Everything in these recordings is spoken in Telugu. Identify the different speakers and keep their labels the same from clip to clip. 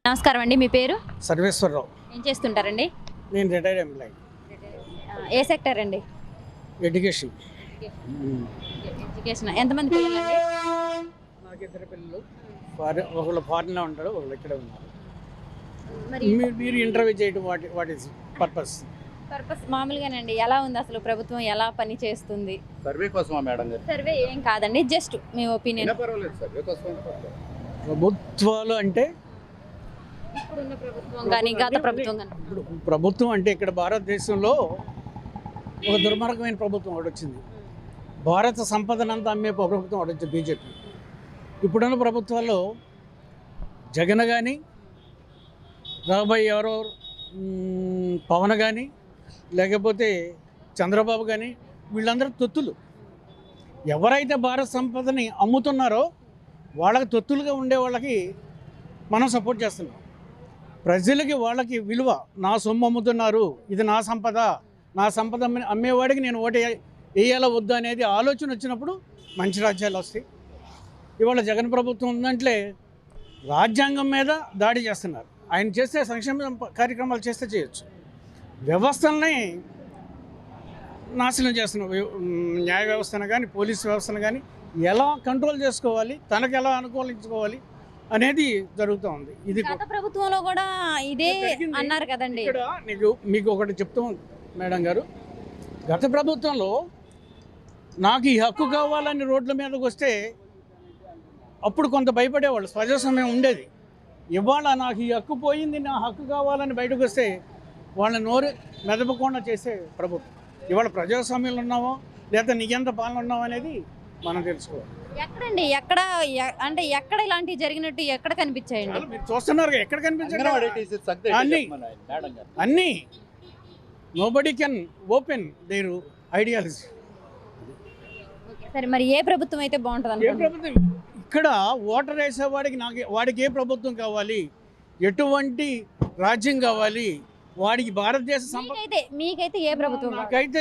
Speaker 1: నమస్కారం అండి. మీ పేరు?
Speaker 2: సర్వేశ్వరరావు.
Speaker 1: ఏం చేస్తుంటారండి?
Speaker 2: నేను రిటైర్డ్ ఎంప్లాయీ.
Speaker 1: ఏ సెక్టర్ అండి?
Speaker 2: ఎడ్యుకేషన్.
Speaker 1: ఎడ్యుకేషన్. ఎంతమంది పిల్లలండి?
Speaker 2: నాకు ఇద్దరు పిల్లలు. ఒకళ్ళు ఫారిన్లో ఉంటారు, ఒకళ్ళు ఇక్కడే ఉన్నారు.
Speaker 1: మరి
Speaker 2: మీరు ఇంటర్వ్యూ చేయడం వాట్ ఈస్ పర్పస్?
Speaker 1: మామూలుగానండి. ఎలా ఉంది అసలు ప్రభుత్వం ఎలా పని చేస్తుంది?
Speaker 3: సర్వే కోసమా మేడం గారు?
Speaker 1: సర్వే ఏం కాదండి, జస్ట్ మీ ఒపీనియన్.
Speaker 3: పర్వాలేదు, సర్వే కోసం.
Speaker 2: ప్రభుత్వాలు అంటే
Speaker 1: ఇప్పుడున్న ప్రభుత్వం కానీ గత ప్రభుత్వం కానీ.
Speaker 2: ఇప్పుడు ప్రభుత్వం అంటే ఇక్కడ భారతదేశంలో ఒక దుర్మార్గమైన ప్రభుత్వం ఒకటి వచ్చింది. భారత సంపదనంతా అమ్మే ప్రభుత్వం ఒకటి వచ్చింది, బీజేపీ. ఇప్పుడున్న ప్రభుత్వాల్లో జగన్ కానీ, రాబోయే ఎవరో పవన్ కానీ, లేకపోతే చంద్రబాబు కానీ, వీళ్ళందరూ తొత్తులు. ఎవరైతే భారత సంపదని అమ్ముతున్నారో వాళ్ళకి తొత్తులుగా ఉండే వాళ్ళకి మనం సపోర్ట్ చేస్తున్నాం. ప్రజలకి వాళ్ళకి విలువ, నా సొమ్ము అమ్ముతున్నారు, ఇది నా సంపద, నా సంపద అమ్మేవాడికి నేను ఓటు వేయాలా వద్దు అనేది ఆలోచన వచ్చినప్పుడు మంచి రాజ్యాలు వస్తాయి. ఇవాళ జగన్ ప్రభుత్వం ఉందంటే రాజ్యాంగం మీద దాడి చేస్తున్నారు. ఆయన చేస్తే సంక్షేమ కార్యక్రమాలు చేస్తే చేయొచ్చు, వ్యవస్థల్ని నాశనం చేస్తున్నారు. న్యాయ వ్యవస్థను కానీ, పోలీస్ వ్యవస్థను కానీ ఎలా కంట్రోల్ చేసుకోవాలి, తనకు ఎలా అనుకూలించుకోవాలి అనేది జరుగుతూ ఉంది. ఇది
Speaker 1: గత ప్రభుత్వంలో కూడా ఇదే అన్నారు కదండి.
Speaker 2: ఇక్కడ మీకు ఒకటి చెప్తాం మేడం గారు, గత ప్రభుత్వంలో నాకు ఈ హక్కు కావాలని రోడ్ల మీదకి వస్తే అప్పుడు కొంత భయపడేవాళ్ళు, ప్రజాస్వామ్యం ఉండేది. ఇవాళ నాకు ఈ హక్కు పోయింది, నా హక్కు కావాలని బయటకు వస్తే వాళ్ళ నోరు మెదపకుండా చేసే ప్రభుత్వం. ఇవాళ ప్రజాస్వామ్యంలో ఉన్నామో లేదా నీకెంత పాలన ఉన్నామో అనేది మనం తెలుసుకోవాలి.
Speaker 1: ఎక్కడండి, ఎక్కడ అంటే ఎక్కడ ఇలాంటివి జరిగినట్టు ఎక్కడ కనిపించాయండి?
Speaker 2: మీరు చూస్తున్నారు, ఎక్కడ కనిపించాయి అన్నీ. Nobody can open their ideology.
Speaker 1: సరే, మరి ఏ ప్రభుత్వం అయితే బాగుంటుంది?
Speaker 2: ఏ ప్రభుత్వం ఇక్కడ ఓటర్ వేసేవాడికి వాడికి ఏ ప్రభుత్వం కావాలి, ఎటువంటి రాజ్యం కావాలి, వాడికి భారతదేశ
Speaker 1: మీకైతే ఏ ప్రభుత్వం?
Speaker 2: నాకైతే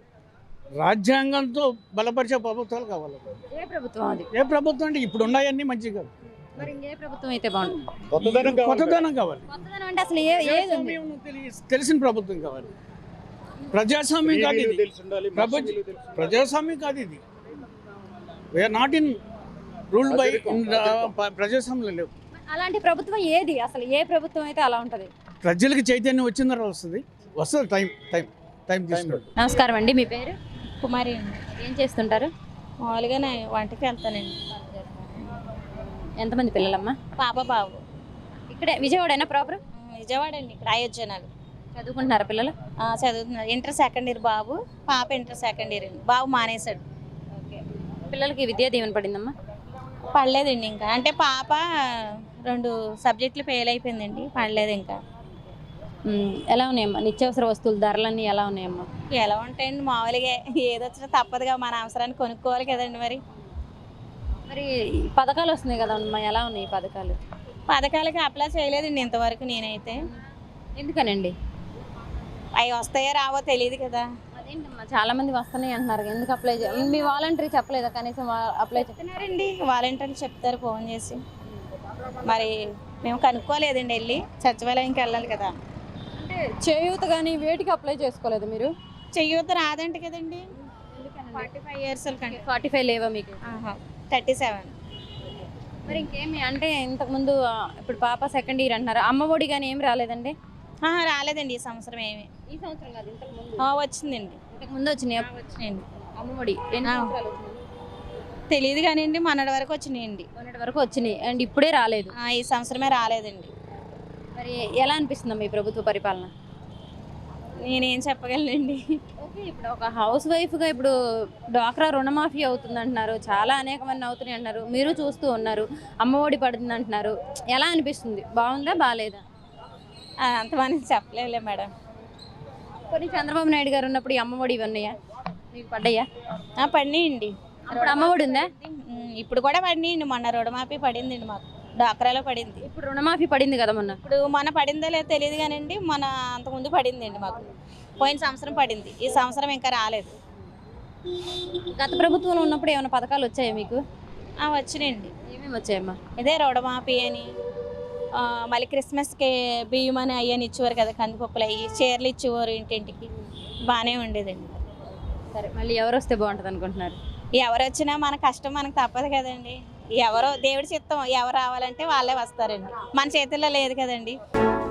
Speaker 2: రాజ్యాంగంతో బలపరిచే ప్రభుత్వాలు కావాలి.
Speaker 1: ఏ ప్రభుత్వం అది?
Speaker 2: ఏ ప్రభుత్వం అంటే ఇప్పుడు ఉన్నాయన్నీ మంచిగా కాదు.
Speaker 1: మరి ఇంకే ప్రభుత్వం అయితే బాగుంటుంది?
Speaker 2: కొత్తదనం కావాలి.
Speaker 1: కొత్తదనం అంటే అసలు
Speaker 2: తెలిసిన ప్రభుత్వం కావాలి. ప్రజాస్వామ్యం కాదు ఇది, ప్రజాస్వామ్యం కాదు ఇది. We are not in ruled by ప్రజాస్వామ్యం లేవు.
Speaker 1: అలాంటి ప్రభుత్వం ఏది అసలు? ఏ ప్రభుత్వం అయితే అలా ఉంటుంది?
Speaker 2: ప్రజలకు చైతన్యం వచ్చిన తర్వాత వస్తుంది. టైం తీసుకుంటారు.
Speaker 1: నమస్కారం అండి. మీ పేరు?
Speaker 4: కుమారి అండి.
Speaker 1: ఏం చేస్తుంటారు?
Speaker 4: మామూలుగానే వంటకి వెళ్తానండి.
Speaker 1: ఎంతమంది పిల్లలమ్మా?
Speaker 4: పాప బాబు.
Speaker 1: ఇక్కడే విజయవాడైనా ప్రాపర్?
Speaker 4: విజయవాడ అండి, ఇక్కడ అయోధ్యనాలు.
Speaker 1: చదువుకుంటున్నారా పిల్లలు?
Speaker 4: చదువుతున్నారు. ఇంటర్ సెకండ్ ఇయర్ బాబు, పాప ఇంటర్ సెకండ్ ఇయర్ అండి. బాబు మానేశాడు.
Speaker 1: పిల్లలకి విద్యా దీవెన పడిందమ్మా?
Speaker 4: పడలేదండి ఇంకా. అంటే పాప 2 సబ్జెక్టులు ఫెయిల్ అయిపోయిందండి, పడలేదు ఇంకా.
Speaker 1: ఎలా ఉన్నాయమ్మా నిత్యావసర వస్తువుల ధరలన్నీ ఎలా ఉన్నాయమ్మా?
Speaker 4: ఎలా ఉంటాయండి, మామూలుగా ఏదొచ్చినా తప్పదుగా, మన అవసరాన్ని కొనుక్కోవాలి కదండి. మరి
Speaker 1: పథకాలు వస్తున్నాయి కదమ్మా, ఎలా ఉన్నాయి ఈ పథకాలు?
Speaker 4: పథకాలకి అప్లై చేయలేదండి ఇంతవరకు నేనైతే.
Speaker 1: ఎందుకనండి?
Speaker 4: అవి వస్తాయో రావో తెలియదు కదా.
Speaker 1: అదేంటమ్మా, చాలా మంది వస్తున్నాయి అంటున్నారు, ఎందుకు అప్లై మీ వాలంటరీ చెప్పలేదా కనీసం? అప్లై
Speaker 4: చెప్తున్నారండి, వాలంటీర్లు చెప్తారు ఫోన్ చేసి. మరి మేము కనుక్కోలేదండి, వెళ్ళి సచివాలయంకి వెళ్ళాలి కదా.
Speaker 1: అంటే చేయూత కానీ వేటికి అప్లై చేసుకోలేదు మీరు?
Speaker 4: చేయూత రాదంట కదండి. 45 years
Speaker 1: 45 లేవా మీకు?
Speaker 4: 37.
Speaker 1: మరి ఇంకేమి అంటే ఇంతకుముందు ఇప్పుడు పాప సెకండ్ ఇయర్ అంటున్నారు, అమ్మ ఒడి కానీ ఏం రాలేదండి?
Speaker 4: రాలేదండి ఈ సంవత్సరం ఏమి.
Speaker 1: ఈ సంవత్సరం కాదు, ఇంతకుముందు
Speaker 4: వచ్చిందండి.
Speaker 1: ఇంతకుముందు వచ్చినాయి?
Speaker 4: వచ్చినాయండి.
Speaker 1: అమ్మ ఒడి
Speaker 4: తెలియదు కానీ అండి, మొన్నటి వరకు వచ్చినాయండి.
Speaker 1: మొన్నటి వరకు వచ్చినాయి అండ్ ఇప్పుడే రాలేదు.
Speaker 4: ఈ సంవత్సరమే రాలేదండి.
Speaker 1: మరి ఎలా అనిపిస్తుందా మీ ప్రభుత్వ పరిపాలన?
Speaker 4: నేనేం చెప్పగలనండి.
Speaker 1: ఓకే, ఇప్పుడు ఒక హౌస్ వైఫ్గా ఇప్పుడు డ్వాక్రా రుణమాఫీ అవుతుంది అంటున్నారు, చాలా అనేకమంది అవుతున్నాయి అంటున్నారు, మీరు చూస్తూ ఉన్నారు. అమ్మ ఒడి పడుతుంది అంటున్నారు, ఎలా అనిపిస్తుంది? బాగుందా బాగాలేదా?
Speaker 4: అంతమంది చెప్పలేలే మేడం.
Speaker 1: కొన్ని చంద్రబాబు నాయుడు గారు ఉన్నప్పుడు ఈ అమ్మ ఒడి ఇవన్నాయా మీకు? పడ్డాయా?
Speaker 4: పడినాయండి.
Speaker 1: అప్పుడు అమ్మ ఒడి ఉందా?
Speaker 4: ఇప్పుడు కూడా పడినాయండి. మొన్న రుణమాఫీ పడిందండి మాకు, డ్వాక్రాలో పడింది.
Speaker 1: ఇప్పుడు రుణమాఫీ పడింది కదా మొన్న?
Speaker 4: ఇప్పుడు మన పడిందో లేదో తెలియదు కానండి, మన అంతకుముందు పడిందండి మాకు. పోయిన సంవత్సరం పడింది, ఈ సంవత్సరం ఇంకా రాలేదు.
Speaker 1: గత ప్రభుత్వంలో ఉన్నప్పుడు ఏమైనా పథకాలు వచ్చాయా మీకు?
Speaker 4: వచ్చినాయండి.
Speaker 1: ఏమేమి వచ్చాయమ్మా?
Speaker 4: ఇదే రుణమాఫీ అని, మళ్ళీ క్రిస్మస్కి బియ్యం అని అయ్యని ఇచ్చేవారు కదా, కందిపప్పులు అయ్యి చీరలు ఇచ్చేవారు ఇంటింటికి, బాగానే ఉండేదండి.
Speaker 1: సరే మళ్ళీ ఎవరు వస్తే బాగుంటుంది అనుకుంటున్నారు?
Speaker 4: ఎవరు వచ్చినా మన కష్టం మనకు తప్పదు కదండి. ఎవరో దేవుడి చిత్తం, ఎవరు రావాలంటే వాళ్ళే వస్తారండి, మన చేతుల్లో లేదు కదండి.